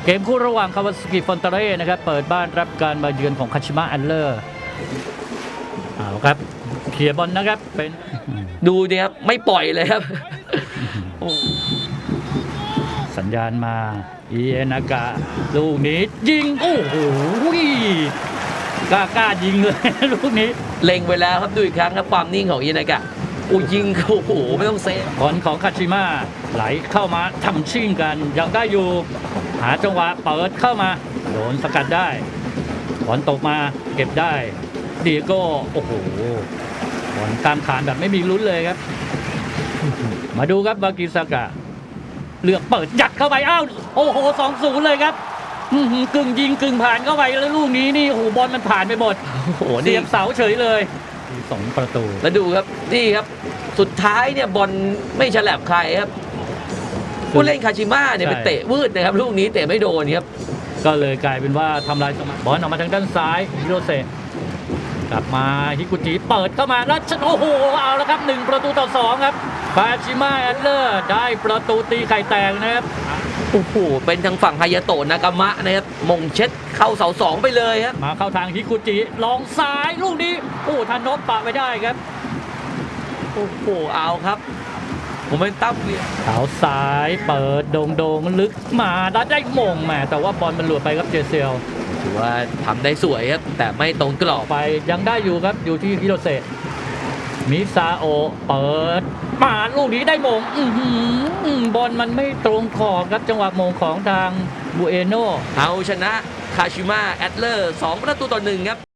เกมคู่ระหว่างคาวาซากิฟอนเตเร่นะครับเปิดบ้านรับการมาเยือนของคาชิมะแอตเลอร์เอาครับเคลียร์บอลนะครับเป็นดูดิครับไม่ปล่อยเลยครับโอ้สัญญาณมาอิเอนากะลูกนี้ยิงโอ้โหกล้ายิงเลย ลูกนี้เล็งไปแล้วครับดูอีกครั้งครับความนิ่งของอินากะโอ้ยิงโอ้โหไม่ต้องเซฟบอลของคาชิมะไหลเข้ามาทำชิ่งกันยังได้อยู่หาจังหวะเปิดเข้ามาโดนสกัดได้บอลตกมาเก็บได้ดีโก้โอ้โหบอลตามขานแบบไม่มีลุ้นเลยครับ มาดูครับบากิซากะเลือกเปิดยัดเข้าไปอ้าวโอ้โห2-0เลยครับกึ่งยิงกึ่งผ่านเข้าไปแล้วลูกนี้นี่โอ้โหบอลมันผ่านไปหมดโอ้โหเสีนี่ยบเสาเฉยเลย2 ประตูแล้วดูครับนี่ครับสุดท้ายเนี่ยบอลไม่ฉลับใครครับผู้เล่นคาชิมะเนี่ยไปเตะวืดนะครับลูกนี้เตะไม่โดนครับก็เลยกลายเป็นว่าทำลายสมาธิบอลออกมาทางด้านซ้ายฮิโรเซะกลับมาฮิกุจิเปิดเข้ามาแล้วโอ้โหเอาแล้วครับ1-2ครับคาชิมะแอตเลอร์ได้ประตูตีไข่แตกนะครับโอ้โหเป็นทางฝั่งฮายาโตะนากามะนะครับมงเช็ดเข้าเสาสองไปเลยครับมาเข้าทางฮิกุจิลองซ้ายลูกนี้โอ้ทานนพปะไม่ได้ครับโอ้โหเอาครับผมเป็นตั้มเวียเท้าซ้ายเปิดโด่งลึกมาแล้วได้มงแหมแต่ว่าบอลมันหลุดไปครับเจเซลถือว่าทำได้สวยครับแต่ไม่ตรงกรอบไปยังได้อยู่ครับอยู่ที่ฮิโรเซะมิซาโอะเปิดมาลูกนี้ได้มงบอลมันไม่ตรงขอบครับจังหวะมงของทางบูเอโนเอาชนะคาชิมะแอตเลอร์2-1ครับ